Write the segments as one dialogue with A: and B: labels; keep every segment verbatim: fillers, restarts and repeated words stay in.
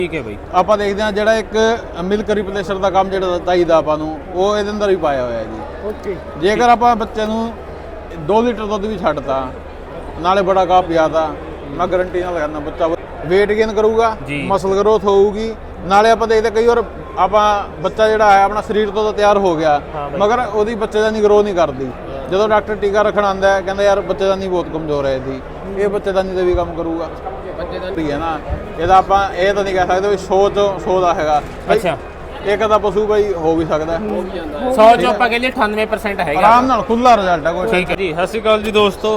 A: ਠੀਕ ਹੈ ਬਾਈ।
B: ਆਪਾਂ ਦੇਖਦੇ ਹਾਂ ਜਿਹੜਾ ਇੱਕ ਮਿਲਕ ਰਿਪਲੇਸਰ ਦਾ ਕੰਮ ਜਿਹੜਾ ਚਾਹੀਦਾ ਆਪਾਂ ਨੂੰ ਉਹ ਇਹਦੇ ਅੰਦਰ ਵੀ ਪਾਇਆ ਹੋਇਆ ਜੀ।
C: ਓਕੇ।
B: ਜੇਕਰ ਆਪਾਂ ਬੱਚੇ ਨੂੰ ਦੋ ਲੀਟਰ ਦੁੱਧ ਵੀ ਛੱਡਤਾ ਨਾਲੇ ਬੜਾ ਕਾਪ ਪਿਆਦਾ, ਮੈਂ ਗਾਰੰਟੀ ਨਾਲ ਕਹਿੰਦਾ ਬੱਚਾ weight gain ਕਰੂਗਾ, ਮਸਲ ਗਰੋਥ ਹੋਊਗੀ। ਨਾਲੇ ਆਪਾਂ ਦੇਖਦੇ ਕਈ ਵਾਰ ਆਪਾਂ ਬੱਚਾ ਜਿਹੜਾ ਹੈ ਆਪਣਾ ਸਰੀਰ ਤੋਂ ਤਾਂ ਤਿਆਰ ਹੋ ਗਿਆ ਮਗਰ ਉਹਦੀ ਬੱਚੇ ਦਾ ਨਹੀਂ ਗਰੋ ਨਹੀਂ ਕਰਦੀ। ਜਦੋਂ ਡਾਕਟਰ ਟੀਕਾ ਰੱਖਣ ਆਉਂਦਾ ਹੈ ਕਹਿੰਦਾ ਯਾਰ ਬੱਚੇ ਦਾ ਨਹੀਂ ਬਹੁਤ ਕਮਜ਼ੋਰ ਹੈ ਇਹਦੀ, ਇਹ ਬੱਚੇ ਦਾ ਨਹੀਂ ਤੇ ਵੀ ਕੰਮ ਕਰੂਗਾ। ਬੱਚੇ ਦਾ ਹੈ ਨਾ, ਇਹਦਾ ਆਪਾਂ ਇਹ ਤਾਂ ਨਹੀਂ ਕਹਿ ਸਕਦੇ ਵੀ ਸੌ ਚੋਂ ਸੌ ਦਾ ਹੈਗਾ।
A: ਅੱਛਾ,
B: ਇੱਕ ਤਾਂ ਪਸ਼ੂ ਬਾਈ ਹੋ ਵੀ ਸਕਦਾ,
A: ਸੌ ਚੋਂ ਆਪਾਂ ਕਹਿੰਦੇ ਅਠਾਨਵੇਂ ਪਰਸੈਂਟ ਹੈਗਾ,
B: ਆਰਾਮ ਨਾਲ ਖੁੱਲਾ ਰਿਜ਼ਲਟ ਹੈ ਕੋਈ।
A: ਠੀਕ ਹੈ ਜੀ। ਸਤਿ ਸ਼੍ਰੀ ਅਕਾਲ ਜੀ ਦੋਸਤੋ।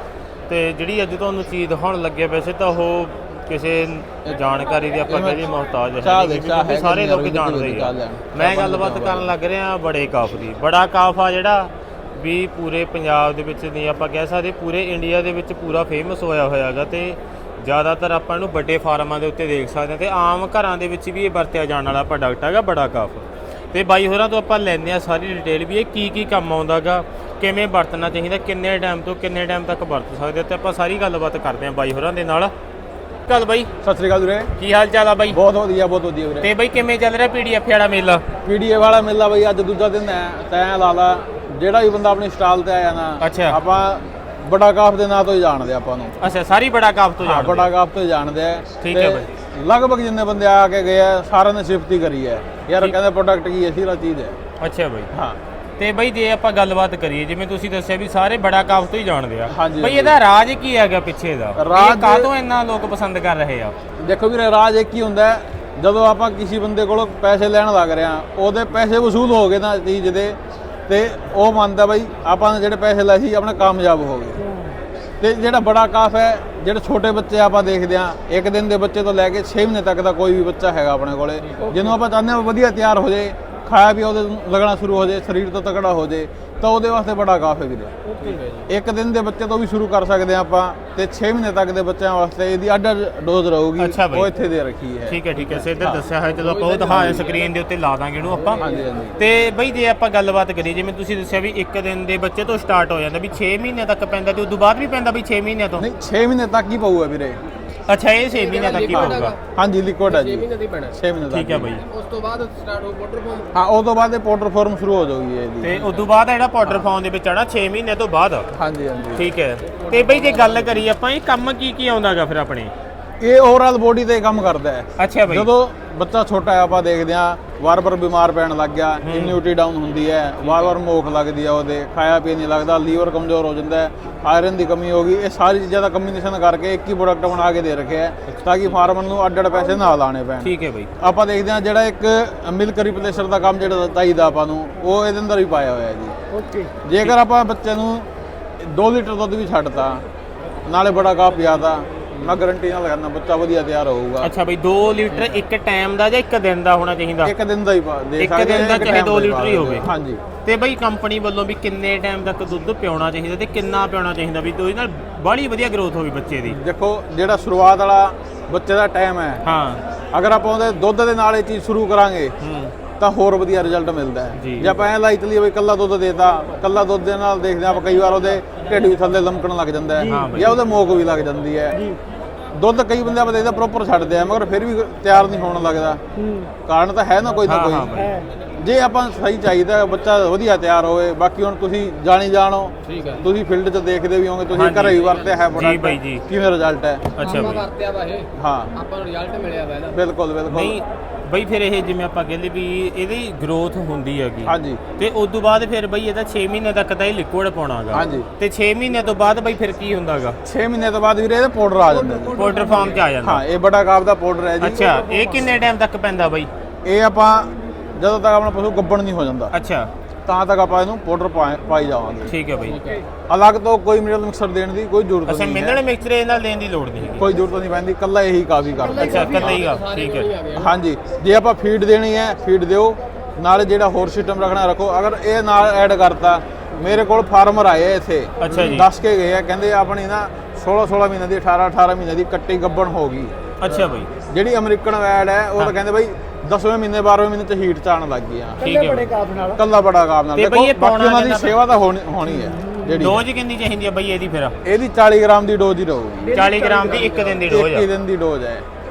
A: ਤੇ ਜਿਹੜੀ ਅੱਜ ਤੁਹਾਨੂੰ ਚੀਜ਼ ਦਿਖਾਉਣ ਲੱਗੇ ਵੈਸੇ ਤਾਂ ਉਹ ਕਿਸੇ ਜਾਣਕਾਰੀ ਦੀ ਆਪਾਂ ਕਹਿੰਦੇ ਮੁਹਤਾਜ ਹੈ, ਕਿਉਂਕਿ ਸਾਰੇ ਲੋਕ ਜਾਣਦੇ ਹੀ ਆ। ਮੈਂ ਗੱਲਬਾਤ ਕਰਨ ਲੱਗ ਰਿਹਾ ਬੜੇ ਕਾਫ ਦੀ। ਬੜਾ ਕਾਫ ਆ ਜਿਹੜਾ ਵੀ ਪੂਰੇ ਪੰਜਾਬ ਦੇ ਵਿੱਚ ਨਹੀਂ ਆਪਾਂ ਕਹਿ ਸਕਦੇ, ਪੂਰੇ ਇੰਡੀਆ ਦੇ ਵਿੱਚ ਪੂਰਾ ਫੇਮਸ ਹੋਇਆ ਹੋਇਆ ਹੈਗਾ। ਤੇ ਜ਼ਿਆਦਾਤਰ ਆਪਾਂ ਇਹਨੂੰ ਵੱਡੇ ਫਾਰਮਾਂ ਦੇ ਉੱਤੇ ਦੇਖ ਸਕਦੇ ਹਾਂ ਤੇ ਆਮ ਘਰਾਂ ਦੇ ਵਿੱਚ ਵੀ ਇਹ ਵਰਤਿਆ ਜਾਣ ਵਾਲਾ ਪ੍ਰੋਡਕਟ ਹੈਗਾ ਬੜਾ ਕਾਫ। ਤੇ ਬਾਈ ਹੋਰਾਂ ਤੋਂ ਆਪਾਂ ਲੈਂਦੇ ਹਾਂ ਸਾਰੀ ਡਿਟੇਲ ਵੀ ਇਹ ਕੀ ਕੀ ਕੰਮ ਆਉਂਦਾ ਗਾ, ਕਿਵੇਂ ਵਰਤਣਾ ਚਾਹੀਦਾ, ਕਿੰਨੇ ਟਾਈਮ ਤੋਂ ਕਿੰਨੇ ਟਾਈਮ ਤੱਕ ਵਰਤ ਸਕਦੇ ਤੇ ਆਪਾਂ ਸਾਰੀ ਗੱਲਬਾਤ ਕਰਦੇ ਹਾਂ ਬਾਈ ਹੋਰਾਂ ਦੇ ਨਾਲ। ਚੱਲ ਬਾਈ
B: ਸਤਿ ਸ੍ਰੀ ਅਕਾਲ ਵੀਰੇ,
A: ਕੀ ਹਾਲ ਚਾਲ ਆ ਬਾਈ?
B: ਬਹੁਤ ਵਧੀਆ ਬਹੁਤ ਵਧੀਆ ਵੀਰੇ।
A: ਤੇ ਬਾਈ ਕਿਵੇਂ ਚੱਲ ਰਿਹਾ ਪੀਡੀਐਫ ਵਾਲਾ ਮੇਲਾ?
B: ਪੀਡੀਏ ਵਾਲਾ ਮੇਲਾ ਬਾਈ ਅੱਜ ਦੂਜਾ ਦਿਨ ਹੈ। ਤੈਂ ਲਾ ਲਾ ਜਿਹੜਾ ਵੀ ਬੰਦਾ ਆਪਣੀ ਸਟਾਲ ਤੇ ਆਇਆ ਨਾ,
A: ਅੱਛਾ,
B: ਆਪਾਂ ਬੜਾ ਕਾਫ ਦੇ ਨਾਂ ਤੋਂ ਹੀ ਜਾਣਦੇ ਆਪਾਂ ਨੂੰ।
A: ਅੱਛਾ, ਸਾਰੀ ਬੜਾ ਕਾਫ ਤੋਂ ਜਾਣਦੇ?
B: ਬੜਾ ਕਾਫ ਤੋਂ ਹੀ ਜਾਣਦੇ ਆ।
A: ਠੀਕ ਹੈ ਬਾਈ।
B: ਲਗਭਗ ਜਿੰਨੇ ਬੰਦੇ ਆ ਕੇ ਗਏ ਆ ਸਾਰਿਆਂ ਨੇ ਸਿਫਤ ਹੀ ਕਰੀ ਹੈ ਯਾਰ, ਕਹਿੰਦੇ ਪ੍ਰੋਡਕਟ ਕੀ ਹੈ, ਸੀਰਾ ਚੀਜ਼ ਹੈ।
A: ਅੱਛਾ ਬਾਈ।
B: ਹਾਂ।
A: ਤੇ ਬਾਈ ਜੇ ਆਪਾਂ ਗੱਲਬਾਤ ਕਰੀਏ ਜਿਵੇਂ ਤੁਸੀਂ ਦੱਸਿਆ ਵੀ ਸਾਰੇ ਬੜਾ ਕਾਫ ਤੋਂ ਹੀ ਜਾਣਦੇ ਆ,
B: ਹਾਂਜੀ
A: ਬਾਈ ਇਹਦਾ ਰਾਜ ਕੀ ਹੈਗਾ ਪਿੱਛੇ ਦਾ?
B: ਰਾਜ
A: ਕਾਹਤੋਂ ਇੰਨਾ ਲੋਕ ਪਸੰਦ ਕਰ ਰਹੇ ਆ?
B: ਦੇਖੋ ਵੀਰੇ, ਰਾਜ ਇੱਕ ਹੀ ਹੁੰਦਾ ਹੈ, ਜਦੋਂ ਆਪਾਂ ਕਿਸੇ ਬੰਦੇ ਕੋਲੋਂ ਪੈਸੇ ਲੈਣ ਲੱਗ ਰਹੇ ਆ ਉਹਦੇ ਪੈਸੇ ਵਸੂਲ ਹੋ ਗਏ ਨਾ ਚੀਜ਼ ਦੇ, ਤੇ ਉਹ ਮੰਨਦਾ ਬਾਈ ਆਪਾਂ ਨੇ ਜਿਹੜੇ ਪੈਸੇ ਲਏ ਸੀ ਆਪਣੇ ਕਾਮਯਾਬ ਹੋ ਗਏ। ਤੇ ਜਿਹੜਾ ਬੜਾ ਕਾਫ ਹੈ, ਜਿਹੜੇ ਛੋਟੇ ਬੱਚੇ ਆਪਾਂ ਦੇਖਦੇ ਆ, ਇੱਕ ਦਿਨ ਦੇ ਬੱਚੇ ਤੋਂ ਲੈ ਕੇ ਛੇ ਮਹੀਨੇ ਤੱਕ ਦਾ ਕੋਈ ਵੀ ਬੱਚਾ ਹੈਗਾ ਆਪਣੇ ਕੋਲੇ, ਜਿਹਨੂੰ ਆਪਾਂ ਚਾਹੁੰਦੇ ਹਾਂ ਵਧੀਆ ਤਿਆਰ ਹੋ ਜਾਏ, ਖਾਇਆ ਵੀ ਉਹਦੇ ਲੱਗਣਾ ਸ਼ੁਰੂ ਹੋ ਜਾਏ, ਸਰੀਰ ਤੋਂ ਤਕੜਾ ਹੋ ਜਾਏ, ਤਾਂ ਉਹਦੇ ਵਾਸਤੇ ਬੜਾ ਕਾਫ ਹੈ ਵੀਰੇ। ਇੱਕ ਦਿਨ ਦੇ ਬੱਚੇ ਤੋਂ ਵੀ ਸ਼ੁਰੂ ਕਰ ਸਕਦੇ ਆ ਆਪਾਂ, ਤੇ ਛੇ ਮਹੀਨੇ ਤੱਕ ਦੇ ਬੱਚਿਆਂ ਵਾਸਤੇ ਇਹਦੀ ਅੱਡ ਡੋਜ਼ ਰਹੂਗੀ, ਉਹ ਇੱਥੇ ਦੇ ਰੱਖੀ ਹੈ।
A: ਠੀਕ ਹੈ ਠੀਕ ਹੈ, ਸੇ ਇੱਧਰ ਦੱਸਿਆ ਹੈ, ਜਦੋਂ ਆਪਾਂ ਉਹ ਦਿਖਾਇਆ ਸਕਰੀਨ ਦੇ ਉੱਤੇ ਲਾ ਦਾਂਗੇ ਇਹਨੂੰ ਆਪਾਂ।
B: ਹਾਂਜੀ ਹਾਂਜੀ।
A: ਤੇ ਬਈ ਜੇ ਆਪਾਂ ਗੱਲਬਾਤ ਕਰੀਏ ਜਿਵੇਂ ਤੁਸੀਂ ਦੱਸਿਆ ਵੀ ਇੱਕ ਦਿਨ ਦੇ ਬੱਚੇ ਤੋਂ ਸਟਾਰਟ ਹੋ ਜਾਂਦਾ ਵੀ ਛੇ ਮਹੀਨੇ ਤੱਕ ਪੈਂਦਾ, ਤੇ ਉਦੋਂ ਬਾਅਦ ਵੀ ਪੈਂਦਾ ਵੀ ਛੇ ਮਹੀਨਿਆਂ ਤੋਂ?
B: ਨਹੀਂ, ਛੇ ਮਹੀਨੇ ਤੱਕ ਹੀ ਪਊਗਾ ਵੀਰੇ।
A: ਅੱਛਾ, ਇਹ ਛੇ ਮਹੀਨੇ ਤੱਕ ਹੀ ਪਊਗਾ?
B: ਹਾਂਜੀ, ਲਿਕੁਇਡ ਹੈ ਜੀ,
C: ਛੇ ਮਹੀਨੇ ਦੀ ਪੈਣਾ।
B: ਛੇ ਮਹੀਨੇ ਤੱਕ।
A: ਠੀਕ ਹੈ ਬਾਈ।
C: ਉਸ ਤੋਂ ਬਾਅਦ ਸਟਾਰਟ ਹੋ ਪਾਊਡਰ ਫਾਰਮ?
B: ਹਾਂ, ਉਸ ਤੋਂ ਬਾਅਦ ਇਹ ਪਾਊਡਰ ਫਾਰਮ ਸ਼ੁਰੂ ਹੋ ਜਾਊਗੀ ਇਹਦੀ।
A: ਤੇ ਉਸ ਤੋਂ ਬਾਅਦ ਜਿਹੜਾ ਪਾਊਡਰ ਫਾਰਮ ਦੇ ਵਿੱਚ ਆਣਾ ਛੇ ਮਹੀਨੇ ਤੋਂ ਬਾਅਦ?
B: ਹਾਂਜੀ ਹਾਂਜੀ।
A: ਠੀਕ ਹੈ। ਤੇ ਬਈ ਜੇ ਗੱਲ ਕਰੀਏ ਆਪਾਂ ਇਹ ਕੰਮ ਕੀ ਕੀ ਆਉਂਦਾਗਾ ਫਿਰ ਆਪਣੇ?
B: ਇਹ ਓਵਰਆਲ ਬੋਡੀ ਤੇ ਕੰਮ ਕਰਦਾ ਹੈ।
A: ਅੱਛਾ ਬਾਈ।
B: ਜਦੋਂ ਬੱਚਾ ਛੋਟਾ ਹੈ ਆਪਾਂ ਦੇਖਦੇ ਆ ਵਾਰ-ਵਾਰ ਬਿਮਾਰ ਪੈਣ ਲੱਗ ਗਿਆ, ਇਮਿਊਨਿਟੀ ਡਾਊਨ ਹੁੰਦੀ ਹੈ, ਵਾਰ-ਵਾਰ ਮੋਖ ਲੱਗਦੀ ਹੈ, ਉਹਦੇ ਖਾਇਆ ਪੀਆ ਨਹੀਂ ਲੱਗਦਾ, ਲੀਵਰ ਕਮਜ਼ੋਰ ਹੋ ਜਾਂਦਾ ਹੈ, ਆਇਰਨ ਦੀ ਕਮੀ ਹੋ ਗਈ, ਇਹ ਸਾਰੀ ਚੀਜ਼ਾਂ ਦਾ ਕੰਬੀਨੇਸ਼ਨ ਕਰਕੇ ਇੱਕ ਹੀ ਪ੍ਰੋਡਕਟ ਬਣਾ ਕੇ ਦੇ ਰੱਖਿਆ ਹੈ ਤਾਂ ਕਿ ਫਾਰਮਰ ਨੂੰ ਅੱਡ-ਅੱਡ ਪੈਸੇ ਨਾ ਲਾਣੇ ਪੈਣ।
A: ਠੀਕ ਹੈ ਬਾਈ।
B: ਆਪਾਂ ਦੇਖਦੇ ਆ ਜਿਹੜਾ ਇੱਕ ਮਿਲਕ ਰਿਪਲੇਸਰ ਦਾ ਕੰਮ ਜਿਹੜਾ ਚਾਹੀਦਾ ਆਪਾਂ ਨੂੰ ਉਹ ਇਹਦੇ ਅੰਦਰ ਹੀ ਪਾਇਆ ਹੋਇਆ ਜੀ।
C: ਓਕੇ।
B: ਜੇਕਰ ਆਪਾਂ ਬੱਚੇ ਨੂੰ ਦੋ ਲੀਟਰ ਦੁੱਧ ਵੀ ਛੱਡਤਾ ਨਾਲੇ ਬੜਾ ਕਾਪ ਪਿਆਦਾ, ਮੈਂ ਗਾਰੰਟੀ ਨਾਲ ਕਹਿੰਦਾ ਬੱਚਾ ਵਧੀਆ ਤਿਆਰ ਹੋਊਗਾ।
A: ਅੱਛਾ ਬਈ, ਦੋ ਲੀਟਰ ਇੱਕ ਟਾਈਮ ਦਾ ਜਾਂ ਇੱਕ ਦਿਨ ਦਾ ਹੋਣਾ ਚਾਹੀਦਾ?
B: ਇੱਕ ਦਿਨ ਦਾ ਹੀ ਦੇ
A: ਇੱਕ ਦਿਨ ਦਾ ਚਾਹੇ ਦੋ ਲੀਟਰ ਹੀ ਹੋਵੇ।
B: ਹਾਂਜੀ।
A: ਤੇ ਬਈ ਕੰਪਨੀ ਵੱਲੋਂ ਵੀ ਕਿੰਨੇ ਟਾਈਮ ਤੱਕ ਦੁੱਧ ਪਿਆਉਣਾ ਚਾਹੀਦਾ ਤੇ ਕਿੰਨਾ ਪਿਆਉਣਾ ਚਾਹੀਦਾ ਵੀ ਉਹਦੇ ਨਾਲ ਬੜੀ ਵਧੀਆ ਗਰੋਥ ਹੋਵੇ ਬੱਚੇ ਦੀ?
B: ਦੇਖੋ, ਜਿਹੜਾ ਸ਼ੁਰੂਆਤ ਵਾਲਾ ਬੱਚੇ ਦਾ ਟਾਈਮ ਹੈ,
A: ਹਾਂ,
B: ਅਗਰ ਆਪਾਂ ਉਹਦੇ ਦੁੱਧ ਦੇ ਨਾਲ ਇਹ ਚੀਜ਼ ਸ਼ੁਰੂ ਕਰਾਂਗੇ ਤਾਂ ਹੋਰ ਵਧੀਆ ਰਿਜ਼ਲਟ ਮਿਲਦਾ ਹੈ। ਜੇ ਆਪਾਂ ਐ ਲਾਈ ਚਲੀਏ ਬਈ ਕੱਲਾ ਦੁੱਧ ਦੇਤਾ, ਕੱਲਾ ਦੁੱਧ ਦੇ ਨਾਲ ਦੇਖਦੇ ਆਪਾਂ ਕਈ ਵਾਰ ਉਹਦੇ ਢਿੱਡ ਵੀ ਥੱਲੇ ਲਮਕਣ ਲੱਗ ਜਾਂਦਾ ਹੈ ਜਾਂ ਉਹਦੇ ਮੋਕ ਵੀ ਲੱਗ ਜਾਂਦੀ ਹੈ। ਦੁੱਧ ਕਈ ਬੰਦੇ ਆਪਾਂ ਦੇਖਦੇ ਪ੍ਰੋਪਰ ਛੱਡਦੇ ਆ ਮਗਰ ਫਿਰ ਵੀ ਤਿਆਰ ਨਹੀਂ ਹੋਣ ਲੱਗਦਾ, ਕਾਰਨ ਤਾਂ ਹੈ ਨਾ ਕੋਈ ਨਾ ਕੋਈ। ਜੇ ਆਪਾਂ ਸਹੀ ਚਾਹੀਦਾ ਬੱਚਾ ਵਧੀਆ ਤਿਆਰ ਹੋਵੇ, ਬਾਕੀ ਹੁਣ ਤੁਸੀਂ ਜਾਣੀ ਜਾਣੋ, ਤੁਸੀਂ ਫੀਲਡ 'ਚ ਦੇਖਦੇ ਵੀ ਹੋਗੇ, ਤੁਸੀਂ ਘਰੇ ਵੀ ਵਰਤਿਆ ਹੈ ਪ੍ਰੋਡਕਟ, ਕਿਵੇਂ ਰਿਜ਼ਲਟ ਹੈ?
A: ਅੱਛਾ ਬਈ,
C: ਵਰਤਿਆ ਵਾ ਇਹ,
B: ਹਾਂ,
C: ਆਪਾਂ ਨੂੰ ਰਿਜ਼ਲਟ ਮਿਲਿਆ ਵਾ ਇਹਦਾ।
B: ਬਿਲਕੁਲ ਬਿਲਕੁਲ।
A: ਨਹੀਂ ਬਈ, ਫਿਰ ਇਹ ਜਿਵੇਂ ਆਪਾਂ ਕਹਿੰਦੇ ਵੀ ਇਹਦੀ ਗਰੋਥ ਹੁੰਦੀ ਹੈਗੀ,
B: ਹਾਂਜੀ,
A: ਤੇ ਉਸ ਤੋਂ ਬਾਅਦ ਫਿਰ ਬਈ ਇਹਦਾ ਛੇ ਮਹੀਨੇ ਤੱਕ ਤਾਂ ਇਹ ਲਿਕੁਇਡ ਪਾਉਣਾਗਾ,
B: ਹਾਂਜੀ,
A: ਤੇ ਛੇ ਮਹੀਨੇ ਤੋਂ ਬਾਅਦ ਬਈ ਫਿਰ ਕੀ ਹੁੰਦਾਗਾ?
B: ਛੇ ਮਹੀਨੇ ਤੋਂ ਬਾਅਦ ਵੀਰੇ ਇਹਦਾ ਪਾਊਡਰ ਆ ਜਾਂਦਾ ਜੀ,
A: ਪਾਊਡਰ ਫਾਰਮ 'ਚ ਆ ਜਾਂਦਾ।
B: ਹਾਂ, ਇਹ ਬੜਾ ਕਾਪ ਦਾ ਪਾਊਡਰ ਹੈ ਜੀ।
A: ਅੱਛਾ, ਇਹ ਕਿੰਨੇ ਟਾਈਮ ਤੱਕ ਪੈਂਦਾ ਬਈ?
B: ਇਹ ਆਪਾਂ ਜਦੋਂ ਤੱਕ ਆਪਣਾ ਪਸ਼ੂ ਗੱਭਣ ਨਹੀਂ ਹੋ ਜਾਂਦਾ,
A: ਅੱਛਾ,
B: ਤਾਂ ਤੱਕ ਆਪਾਂ ਇਹਨੂੰ ਪਾਊਡਰ ਪਾਈ ਜਾਵਾਂਗੇ।
A: ਠੀਕ ਹੈ ਬਈ।
B: ਅਲੱਗ ਤੋਂ ਕੋਈ ਮਿਨਰਲ ਮਿਕਸਰ ਦੇਣ ਦੀ ਕੋਈ ਜ਼ਰੂਰਤ
A: ਅੱਛਾ,
B: ਨਹੀਂ ਹੈ।
A: ਮਿਨਰਲ ਮਿਕਸਰ ਇਹ ਨਾਲ ਦੇਣ ਦੀ ਲੋੜ ਨਹੀਂ ਹੈਗੀ?
B: ਕੋਈ ਜ਼ਰੂਰਤ ਨਹੀਂ ਪੈਂਦੀ, ਕੱਲਾ ਇਹੀ ਕਾਫੀ ਕਰਦਾ।
A: ਅੱਛਾ, ਕੱਲਾ ਹੀ ਆ, ਠੀਕ ਹੈ।
B: ਹਾਂਜੀ, ਜੇ ਆਪਾਂ ਫੀਡ ਦੇਣੀ ਹੈ ਫੀਡ ਦਿਓ, ਨਾਲ ਜਿਹੜਾ ਹੋਰ ਸਿਸਟਮ ਰੱਖਣਾ ਰੱਖੋ। ਅਗਰ ਇਹ ਨਾਲ ਐਡ ਕਰਤਾ, ਮੇਰੇ ਕੋਲ ਫਾਰਮਰ ਆਏ ਇੱਥੇ,
A: ਅੱਛਾ ਜੀ,
B: ਦੱਸ ਕੇ ਗਏ ਆ, ਕਹਿੰਦੇ ਆਪਣੀ ਨਾ ਸੋਲਾਂ ਸੋਲਾਂ ਮਹੀਨੇ ਦੀ ਅਠਾਰਾਂ ਅਠਾਰਾਂ ਮਹੀਨੇ ਦੀ ਕੱਟੀ ਗੱਭਣ ਹੋ ਗਈ।
A: ਅੱਛਾ ਬਈ।
B: ਜਿਹੜੀ ਅਮਰੀਕਨ ਵੈਡ ਹੈ ਉਹ ਤਾਂ ਕਹਿੰਦੇ ਬਈ ਦਸਵੇਂ ਮਹੀਨੇ ਬਾਰਵੇਂ ਮਹੀਨੇ ਚ ਹੀਟ ਚ ਆਉਣ ਲੱਗ ਗਈ ਆ।
A: ਠੀਕ ਹੈ,
C: ਬੜੇ ਕਾਪ ਨਾਲ,
B: ਕੱਲਾ ਬੜਾ ਕਾਪ ਨਾਲ।
A: ਤੇ ਬਈ ਇਹ
B: ਬਾਕੀ ਉਹਨਾਂ ਦੀ ਸੇਵਾ ਤਾਂ ਹੋਣੀ ਹੋਣੀ ਹੈ। ਜਿਹੜੀ
A: ਡੋਜ਼ ਕਿੰਨੀ ਚਾਹੀਦੀ ਹੈ ਬਈ ਇਹਦੀ? ਫਿਰ
B: ਇਹਦੀ ਚਾਲੀ ਗ੍ਰਾਮ ਦੀ ਡੋਜ਼ ਹੀ ਰਹੂਗੀ।
A: ਚਾਲੀ ਗ੍ਰਾਮ ਦੀ ਇੱਕ ਦਿਨ ਦੀ ਡੋਜ਼
B: ਇੱਕ
A: ਆ?
B: ਹੀ ਦਿਨ ਦੀ ਡੋਜ਼ ਹੈ।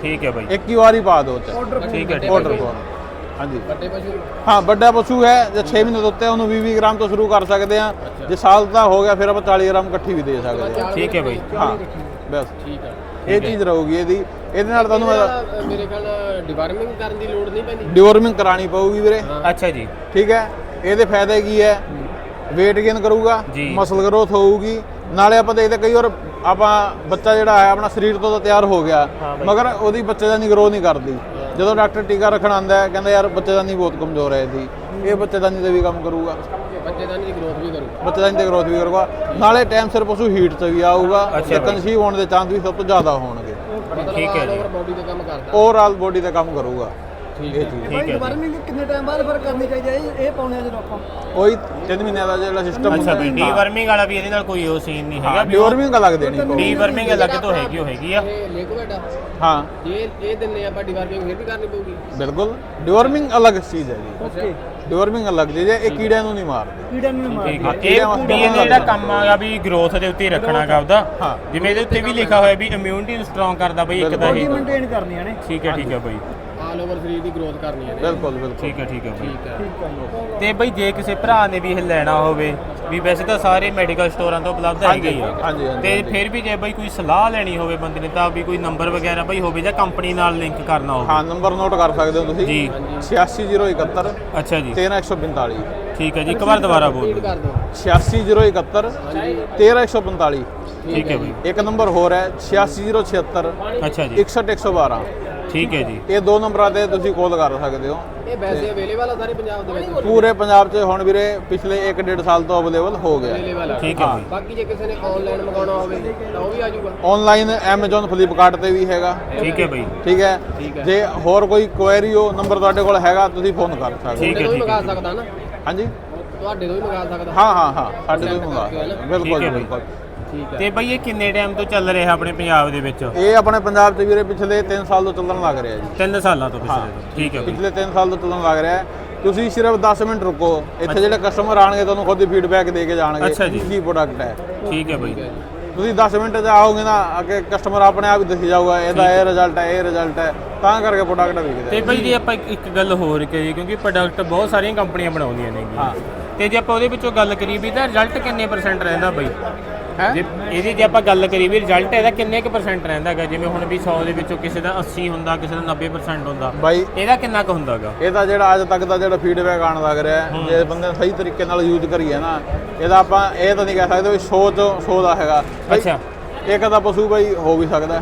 A: ਠੀਕ ਹੈ ਬਾਈ,
B: ਇੱਕ ਹੀ ਵਾਰੀ ਪਾ ਦਿਓ ਚ
A: ਠੀਕ ਹੈ ਠੀਕ
B: ਆਰਡਰ
A: ਹੈ
B: ਫੋਨ। ਹਾਂਜੀ
C: ਵੱਡੇ ਪਸ਼ੂ
B: ਹਾਂ, ਵੱਡਾ ਪਸ਼ੂ ਹੈ ਜੇ ਛੇ ਮਹੀਨੇ ਤੋਂ ਉੱਤੇ ਉਹਨੂੰ ਵੀਹ ਵੀਹ ਗ੍ਰਾਮ ਤੋਂ ਸ਼ੁਰੂ ਕਰ ਸਕਦੇ ਆ। ਜੇ ਸਾਲ ਦਾ ਹੋ ਗਿਆ ਫਿਰ ਆਪਾਂ ਚਾਲੀ ਗ੍ਰਾਮ ਇਕੱਠੀ ਵੀ ਦੇ ਸਕਦੇ ਆ।
A: ਠੀਕ ਹੈ ਬਾਈ,
B: ਹਾਂ ਬਸ
C: ਠੀਕ ਆ।
B: ਇਹ ਚੀਜ਼ ਰਹੂਗੀ ਇਹਦੀ। ਇਹਦੇ ਨਾਲ ਤੁਹਾਨੂੰ
C: ਇਹਦਾ ਮੇਰੇ ਖਿਆਲ ਨਾਲ ਡਿਵਾਰਮਿੰਗ ਕਰਨ ਦੀ ਲੋੜ ਨਹੀਂ ਪੈਂਦੀ।
B: ਡਿਵੋਰਮਿੰਗ ਕਰਾਣੀ ਪਊਗੀ ਵੀਰੇ।
A: ਅੱਛਾ ਜੀ,
B: ਠੀਕ ਹੈ, ਇਹਦੇ ਫਾਇਦੇ ਕੀ ਹੈ? weight gain ਕਰੂਗਾ,
A: ਜੀ।
B: ਮਸਲ ਗਰੋਥ ਹੋਊਗੀ। ਨਾਲੇ ਆਪਾਂ ਦੇਖਦੇ ਕਈ ਵਾਰ ਆਪਾਂ ਬੱਚਾ ਜਿਹੜਾ ਹੈ ਆਪਣਾ ਸਰੀਰ ਤੋਂ ਤਾਂ ਤਿਆਰ ਹੋ ਗਿਆ,
A: ਹਾਂ ਬਾਈ।
B: ਮਗਰ ਉਹਦੀ ਬੱਚੇਦਾਨੀ ਗਰੋ ਨਹੀਂ ਕਰਦੀ। ਜਦੋਂ ਡਾਕਟਰ ਟੀਕਾ ਰੱਖਣ ਆਉਂਦਾ ਹੈ ਕਹਿੰਦਾ ਯਾਰ ਬੱਚੇਦਾਨੀ ਬਹੁਤ ਕਮਜ਼ੋਰ ਹੈ ਇਹਦੀ, ਇਹ ਬੱਚੇਦਾਨੀ ਤੇ ਵੀ ਕੰਮ ਕਰੂਗਾ,
C: ਬੱਚੇਦਾਨੀ ਦੀ ਗਰੋਥ ਵੀ ਕਰੂ।
B: ਬੱਚੇਦਾਨੀ ਤੇ ਗਰੋਥ ਵੀ ਕਰੂਗਾ। ਨਾਲੇ ਟਾਈਮ ਸਿਰ ਪਸ਼ੂ ਹੀਟ 'ਚ ਵੀ ਆਊਗਾ
A: ਅੱਛਾ
B: ਤੇ
A: ਬਾਈ।
B: ਕਨਸੀਵ ਹੋਣ ਦੇ ਚਾਂਸ ਵੀ ਸਭ ਤੋਂ ਜ਼ਿਆਦਾ ਹੋਣਗੇ।
A: ਠੀਕ ਹੈ ਜੀ,
C: ਬੋਡੀ ਤੇ ਕੰਮ ਕਰਦਾ।
B: ਓਵਰਆਲ ਬੋਡੀ ਤੇ ਕੰਮ ਕਰੂਗਾ
C: ਠੀਕ
B: ਇਹ
C: ਹੈ।
B: ਚੀਜ਼।
A: ਠੀਕ ਹੈ ਜੀ।
D: ਵਾਰਮਿੰਗ ਕਿੰਨੇ ਟਾਈਮ ਬਾਅਦ ਫਿਰ ਕਰਨੀ ਚਾਹੀਦੀ ਹੈ ਇਹ ਇਹ ਪਾਉਣੇ ਆ ਜਦੋਂ ਆਪਾਂ
B: ਉਹੀ ਤਿੰਨ ਮਹੀਨਿਆਂ ਦਾ ਜਿਹੜਾ ਸਿਸਟਮ
A: ਅੱਛਾ ਬਈ, ਡੀਵਰਮਿੰਗ ਵਾਲਾ ਵੀ ਇਹਦੇ ਨਾਲ ਕੋਈ ਉਹ ਸੀਨ ਨਹੀਂ ਹੈਗਾ ਵੀ ਉਹ
B: ਡਿਵੋਰਮਿੰਗ ਅਲੱਗ ਦੇਣੀ ਪਊਗੀ।
A: ਡੀਵਰਮਿੰਗ ਅਲੱਗ ਤੋਂ ਹੈਗੀ ਉਹ ਹੈਗੀ ਆ।
C: ਇਹ ਲਿਕੁਇਡ ਆ,
B: ਹਾਂ
C: ਜੇ ਇਹ ਦਿੰਨੇ ਆਪਾਂ ਡਿਵਾਰਮਿੰਗ ਫਿਰ ਵੀ ਕਰਨੀ ਪਊਗੀ।
B: ਬਿਲਕੁਲ, ਡਿਵੋਰਮਿੰਗ ਅਲੱਗ ਚੀਜ਼ ਹੈ ਜੀ।
C: ਓਕੇ
B: ਡਿਵੋਰਮਿੰਗ ਅਲੱਗ ਚੀਜ਼ ਹੈ, ਇਹ ਕੀੜਿਆਂ ਨੂੰ ਨਹੀਂ ਮਾਰਦੇ।
D: ਕੀੜਾ ਨੂੰ ਮਾਰ
A: ਠੀਕ ਹੈ, ਇਹ ਵੀ ਇਹਦਾ ਜਿਹੜਾ ਕੰਮ ਆਗਾ ਵੀ ਗਰੋਥ ਦੇ ਉੱਤੇ ਹੀ ਰੱਖਣਾਗਾ ਉਹਦਾ।
B: ਹਾਂ।
A: ਜਿਵੇਂ ਇਹਦੇ ਉੱਤੇ ਵੀ ਲਿਖਿਆ ਹੋਇਆ ਵੀ ਇਮਿਊਨਿਟੀ ਨੂੰ ਸਟਰੋਂਗ ਕਰਦਾ ਬਈ ਇੱਕ ਤਾਂ
D: ਬੋਡੀ
A: ਇਹ।
D: ਮੇਨਟੇਨ ਕਰਨੀਆਂ ਨੇ।
A: ਠੀਕ ਹੈ ਠੀਕ ਹੈ ਬਈ,
C: ਆਲ ਓਵਰ ਸਰੀਰ ਦੀ ਗਰੋਥ ਕਰਨੀ ਹੈ ਨੇ।
B: ਬਿਲਕੁਲ ਬਿਲਕੁਲ
A: ਠੀਕ ਹੈ ਠੀਕ ਹੈ ਬਈ।
C: ਠੀਕ ਹੈ।
D: ਠੀਕ ਹੈ
A: ਤੇ ਬਈ ਜੇ ਕਿਸੇ ਭਰਾ ਨੇ ਵੀ ਇਹ ਲੈਣਾ ਹੋਵੇ, ਵੀ ਵੈਸੇ ਤਾਂ ਸਾਰੇ ਮੈਡੀਕਲ ਸਟੋਰਾਂ ਤੋਂ ਉਪਲਬਧ ਹੈਗੇ ਹੀ ਆ,
B: ਹਾਂਜੀ, ਹਾਂਜੀ,
A: ਤੇ
B: ਹਾਂਜੀ।
A: ਫਿਰ ਵੀ ਜੇ ਬਈ ਕੋਈ ਸਲਾਹ ਲੈਣੀ ਹੋਵੇ ਬੰਦੇ ਨੇ ਤਾਂ ਵੀ ਕੋਈ ਨੰਬਰ ਵਗੈਰਾ ਬਈ ਹੋਵੇ ਜਾਂ ਕੰਪਨੀ ਨਾਲ ਲਿੰਕ ਕਰਨਾ ਹੋਵੇ।
B: ਹਾਂ, ਨੰਬਰ ਨੋਟ ਕਰ ਸਕਦੇ ਹੋ ਤੁਸੀਂ
A: ਜੀ।
B: ਛਿਆਸੀ ਜ਼ੀਰੋ ਇਕਹੱਤਰ
A: ਅੱਛਾ ਜੀ,
B: ਤੇਰਾਂ ਇੱਕ ਸੌ ਪੰਤਾਲੀ।
A: ਠੀਕ ਹੈ ਜੀ, ਇੱਕ ਵਾਰ ਦੁਬਾਰਾ ਬੋਲ
C: ਰਿਪੀਟ
A: ਦਿਓ।
C: ਕਰ ਦਿਓ।
B: ਛਿਆਸੀ ਜ਼ੀਰੋ ਇਕਹੱਤਰ ਤੇਰਾਂ ਇੱਕ ਸੌ ਪੰਤਾਲੀ।
A: ਠੀਕ ਹੈ ਬਈ,
B: ਇੱਕ ਨੰਬਰ ਹੋਰ ਹੈ ਛਿਆਸੀ ਜ਼ੀਰੋ ਛਿਹੱਤਰ
A: ਅੱਛਾ ਜੀ,
B: ਇਕਸਠ ਇੱਕ ਸੌ ਬਾਰਾਂ।
A: ਠੀਕ ਹੈ ਜੀ,
B: ਇਹ ਦੋ ਨੰਬਰਾਂ ਤੇ ਤੁਸੀਂ ਕਾਲ ਕਰ ਸਕਦੇ ਹੋ।
C: ਇਹ ਵੈਸੇ ਅਵੇਲੇਬਲ ਆ ਸਾਰੇ ਪੰਜਾਬ ਦੇ ਵਿੱਚ।
B: ਪੂਰੇ ਪੰਜਾਬ 'ਚ ਹੁਣ ਵੀਰੇ ਪਿਛਲੇ ਇੱਕ ਡੇਢ ਸਾਲ ਤੋਂ ਅਵੇਲੇਬਲ ਹੋ ਗਿਆ।
C: ਅਵੇਲੇਬਲ ਆ।
A: ਠੀਕ ਹੈ ਬਈ,
C: ਬਾਕੀ ਜੇ ਕਿਸੇ ਨੇ ਆਨਲਾਈਨ ਮੰਗਾਉਣਾ ਹੋਵੇ ਤਾਂ ਉਹ ਵੀ ਆ ਜਾਊਗਾ।
B: ਆਨਲਾਈਨ Amazon ਫਲਿੱਪਕਾਰਟ ਤੇ ਵੀ ਹੈਗਾ।
A: ਠੀਕ ਹੈ ਬਈ,
B: ਠੀਕ ਹੈ,
C: ਠੀਕ ਹੈ।
B: ਜੇ ਹੋਰ ਕੋਈ ਕੁਐਰੀ ਹੋ ਨੰਬਰ ਤੁਹਾਡੇ ਕੋਲ ਹੈਗਾ ਤੁਸੀਂ ਫੋਨ ਕਰ ਸਕਦੇ
A: ਠੀਕ
B: ਹੋ।
A: ਹੈ,
C: ਤੁਹਾਡੇ ਤੋਂ ਵੀ
A: ਠੀਕ
C: ਮੰਗਾ
A: ਹੈ।
C: ਸਕਦਾ ਨਾ,
B: ਹਾਂਜੀ
C: ਤੁਹਾਡੇ ਤੋਂ ਵੀ ਮੰਗਾ ਸਕਦਾ।
B: ਹਾਂ ਹਾਂ ਹਾਂ ਸਾਡੇ ਤੋਂ ਹੀ ਮੰਗਾ
C: ਕਰਕੇ ਹੈ ਨਾ?
B: ਬਿਲਕੁਲ
A: ਠੀਕ ਹੈ
B: ਜੀ,
A: ਬਈ।
B: ਬਿਲਕੁਲ।
C: ਠੀਕ ਹੈ।
A: ਤੇ ਬਈ ਇਹ ਕਿੰਨੇ ਟਾਈਮ ਤੋਂ ਚੱਲ ਰਿਹਾ ਆਪਣੇ ਪੰਜਾਬ ਦੇ ਵਿੱਚ?
B: ਇਹ ਆਪਣੇ ਪੰਜਾਬ 'ਚ ਵੀਰੇ ਪਿਛਲੇ ਤਿੰਨ ਸਾਲ ਤੋਂ ਚੱਲਣ ਲੱਗ ਰਿਹਾ ਜੀ।
A: ਤਿੰਨ ਸਾਲਾਂ ਤੋਂ ਪਿਛਲੇ ਤੋਂ। ਠੀਕ ਹੈ ਬਈ,
B: ਪਿਛਲੇ ਤਿੰਨ ਸਾਲ ਤੋਂ ਚੱਲਣ ਲੱਗ ਰਿਹਾ ਹੈ। ਤੁਸੀਂ ਸਿਰਫ ਦਸ ਮਿੰਟ ਰੁਕੋ, ਇੱਥੇ ਜਿਹੜੇ ਕਸਟਮਰ ਆਣਗੇ ਤੁਹਾਨੂੰ ਖੁਦ ਹੀ ਫੀਡਬੈਕ ਦੇ ਕੇ ਜਾਣਗੇ
A: ਅੱਛਾ ਜੀ।
B: ਕੀ ਪ੍ਰੋਡਕਟ ਹੈ।
A: ਠੀਕ ਹੈ ਬਈ,
B: ਤੁਸੀਂ ਦਸ ਮਿੰਟ 'ਚ ਆਓਗੇ ਨਾ, ਅੱਗੇ ਕਸਟਮਰ ਆਪਣੇ ਆਪ ਹੀ ਦੱਸੀ ਜਾਊਗਾ ਇਹਦਾ ਇਹ ਰਿਜ਼ਲਟ ਹੈ, ਇਹ ਰਿਜ਼ਲਟ ਹੈ, ਤਾਂ ਕਰਕੇ ਪ੍ਰੋਡਕਟ ਵਿਕਦਾ
A: ਤੇ
B: ਹੈ।
A: ਬਈ ਜੇ ਆਪਾਂ ਇੱਕ- ਇੱਕ ਗੱਲ ਹੋਰ ਕਰੀਏ, ਕਿਉਂਕਿ ਪ੍ਰੋਡਕਟ ਬਹੁਤ ਸਾਰੀਆਂ ਕੰਪਨੀਆਂ ਬਣਾਉਂਦੀਆਂ ਨੇ
B: ਹਾਂ।
A: ਤੇ ਜੇ ਆਪਾਂ ਉਹਦੇ ਵਿੱਚੋਂ ਗੱਲ ਕਰੀਏ ਵੀ ਤਾਂ ਰਿਜ਼ਲਟ ਕਿੰਨੇ ਪਰਸੈਂਟ ਰਹਿੰਦਾ ਬਈ?
B: ਹੈਂ?
A: ਜੇ ਇਹਦੀ ਜੇ ਆਪਾਂ ਗੱਲ ਕਰੀਏ ਵੀ ਰਿਜ਼ਲਟ ਇਹਦਾ ਕਿੰਨੇ ਕੁ ਪਰਸੈਂਟ ਰਹਿੰਦਾ ਹੈਗਾ? ਜਿਵੇਂ ਹੁਣ ਵੀ ਸੌ ਦੇ ਵਿੱਚੋਂ ਕਿਸੇ ਦਾ ਅੱਸੀ ਹੁੰਦਾ, ਕਿਸੇ ਦਾ ਨੱਬੇ ਪਰਸੈਂਟ ਹੁੰਦਾ,
B: ਬਾਈ
A: ਇਹਦਾ ਕਿੰਨਾ ਕੁ ਹੁੰਦਾਗਾ?
B: ਇਹਦਾ ਜਿਹੜਾ ਅੱਜ ਤੱਕ ਦਾ ਜਿਹੜਾ ਫੀਡਬੈਕ ਆਉਣ ਲੱਗ ਰਿਹਾ ਹੈ, ਜੇ ਬੰਦੇ ਨੇ ਸਹੀ ਤਰੀਕੇ ਨਾਲ ਯੂਜ਼ ਕਰੀਏ ਨਾ, ਇਹਦਾ ਆਪਾਂ ਇਹ ਤਾਂ ਨਹੀਂ ਕਹਿ ਸਕਦੇ ਵੀ ਸੌ ਚੋਂ ਸੌ ਦਾ ਹੈਗਾ। ਬਾਈ,
A: ਅੱਛਾ,
B: ਇੱਕ ਦਾ ਪਸ਼ੂ ਬਾਈ ਹੋ ਵੀ ਸਕਦਾ ਹੈ।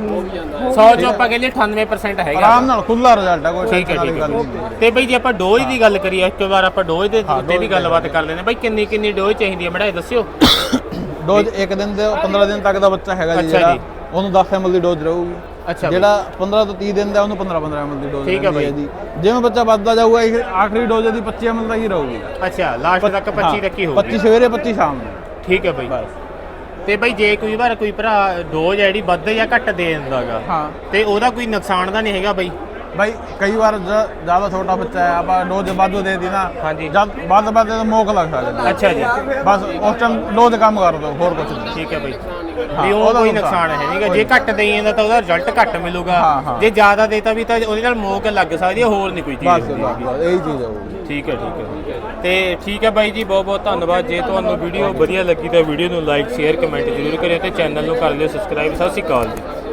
A: ਸੌ ਚੋਂ ਆਪਾਂ ਕਹਿੰਦੇ ਅਠਾਨਵੇਂ ਪਰਸੈਂਟ ਹੈਗਾ।
B: ਆਰਾਮ ਨਾਲ ਖੁੱਲਾ ਰਿਜ਼ਲਟ ਹੈ, ਕੋਈ
A: ਠੀਕ ਹੈ
B: ਟੈਨਸ਼ਨ
A: ਠੀਕ
B: ਵਾਲੀ ਗੱਲ
A: ਹੈ।
B: ਨਹੀਂ।
A: ਤੇ ਬਈ ਜੇ ਆਪਾਂ ਡੋਜ਼ ਦੀ ਗੱਲ ਕਰੀਏ, ਇੱਕ ਵਾਰ ਆਪਾਂ ਡੋਜ਼ ਦੇ
B: ਹਾਂ,
A: ਉੱਤੇ ਵੀ
B: ਡੋਜ਼
A: ਗੱਲਬਾਤ ਕਰ ਲੈਂਦੇ ਬਈ ਕਿੰਨੀ ਕਿੰਨੀ ਡੋਜ਼ ਚਾਹੀਦੀ ਹੈ ਮੜਾ ਇਹ ਦੱਸਿਓ।
B: ਡੋਜ਼ ਇੱਕ ਦਿਨ ਦੇ ਪੰਦਰਾਂ ਦਿਨ ਤੱਕ ਦਾ ਬੱਚਾ ਹੈਗਾ ਜੀ
A: ਅੱਛਾ
B: ਜਿਹੜਾ,
A: ਜੀ।
B: ਉਹਨੂੰ ਦਸ ਐਮ ਐਲ ਦੀ ਡੋਜ਼ ਰਹੂਗੀ।
A: ਅੱਛਾ ਬਈ।
B: ਜਿਹੜਾ ਪੰਦਰਾਂ ਤੋਂ ਤੀਹ ਦਿਨ ਦਾ ਉਹਨੂੰ ਪੰਦਰਾਂ ਪੰਦਰਾਂ ਐਮ ਐਲ ਦੀ ਡੋਜ਼
A: ਠੀਕ ਹੈ
B: ਰਹਿੰਦੀ
A: ਬਈ।
B: ਜੀ। ਜਿਵੇਂ ਬੱਚਾ ਵੱਧਦਾ ਜਾਊਗਾ ਇਹ ਆਖਰੀ ਡੋਜ਼ ਦੀ ਪੱਚੀ ਐਮ ਐਲ ਦਾ ਹੀ ਰਹੂਗੀ।
A: ਅੱਛਾ, ਲਾਸਟ ਤੱਕ ਪੱਚੀ ਤੱਕ ਹੀ ਹੋਊਗੀ।
B: ਪੱਚੀ ਸਵੇਰੇ ਪੱਚੀ ਸ਼ਾਮ ਨੂੰ।
A: ਠੀਕ ਹੈ ਬਈ। ਤੇ ਬਈ ਜੇ ਕੋਈ ਵਾਰ ਕੋਈ ਭਰਾ ਡੋਜ਼ ਜਿਹੜੀ ਵੱਧ ਜਾਂ ਘੱਟ ਦੇ ਦਿੰਦਾਗਾ,
B: ਹਾਂ
A: ਤੇ ਉਹਦਾ ਕੋਈ ਨੁਕਸਾਨ ਤਾਂ ਨਹੀਂ ਹੈਗਾ ਬਈ?
B: ਭਾਈ ਕਈ ਵਾਰ ਜ- ਜ਼ਿਆਦਾ ਛੋਟਾ ਬੱਚਾ ਹੈ, ਆਪਾਂ ਡੋਜ਼ ਵਾਧੂ ਦੇ ਦੀ ਨਾ,
A: ਹਾਂਜੀ।
B: ਜਦ ਵੱਧ ਵੱਧ ਤਾਂ ਮੋਕ ਲੱਗ ਸਕਦਾ।
A: ਅੱਛਾ ਜੀ,
B: ਬਸ ਉਸ ਟਾਈਮ ਡੋਜ਼ ਕੰਮ ਕਰ ਦੋ, ਹੋਰ ਕੁਝ ਨਹੀਂ।
A: ਠੀਕ ਹੈ ਬਈ।
B: ਹਾਂ,
A: ਵੀ ਉਹ
B: ਉਹਦਾ
A: ਕੋਈ
B: ਨੁਕਸਾਨ
A: ਨੁਕਸਾਨ ਹੈ ਨਹੀਂਗਾ। ਜੇ ਘੱਟ ਦੇਈ ਜਾਂਦਾ ਤਾਂ ਉਹਦਾ ਰਿਜ਼ਲਟ ਘੱਟ ਮਿਲੂਗਾ,
B: ਹਾਂ, ਹਾਂ।
A: ਜੇ ਜ਼ਿਆਦਾ ਦੇਤਾ ਵੀ ਤਾਂ ਉਹਦੇ ਨਾਲ ਮੋਕ ਲੱਗ ਸਕਦੀ ਹੈ, ਹੋਰ ਨਹੀਂ ਕੋਈ ਚੀਜ਼
B: ਬਸ
A: ਹੁੰਦੀ
B: ਬਸ
A: ਹੈਗੀ।
B: ਬਸ ਇਹੀ ਚੀਜ਼ ਹੋਊਗੀ।
A: ਠੀਕ ਹੈ ਠੀਕ ਹੈ। ਤੇ ਠੀਕ ਹੈ ਬਾਈ ਜੀ, ਬਹੁਤ ਬਹੁਤ ਧੰਨਵਾਦ। ਜੇ ਤੁਹਾਨੂੰ ਵੀਡੀਓ ਵਧੀਆ ਲੱਗੀ ਤਾਂ ਵੀਡੀਓ ਨੂੰ ਲਾਈਕ ਸ਼ੇਅਰ ਕਮੈਂਟ ਜ਼ਰੂਰ ਕਰਿਓ ਤੇ ਚੈਨਲ ਨੂੰ ਕਰ ਲਿਓ ਸਬਸਕ੍ਰਾਈਬ। ਸਤਿ ਸ਼੍ਰੀ ਅਕਾਲ ਜੀ।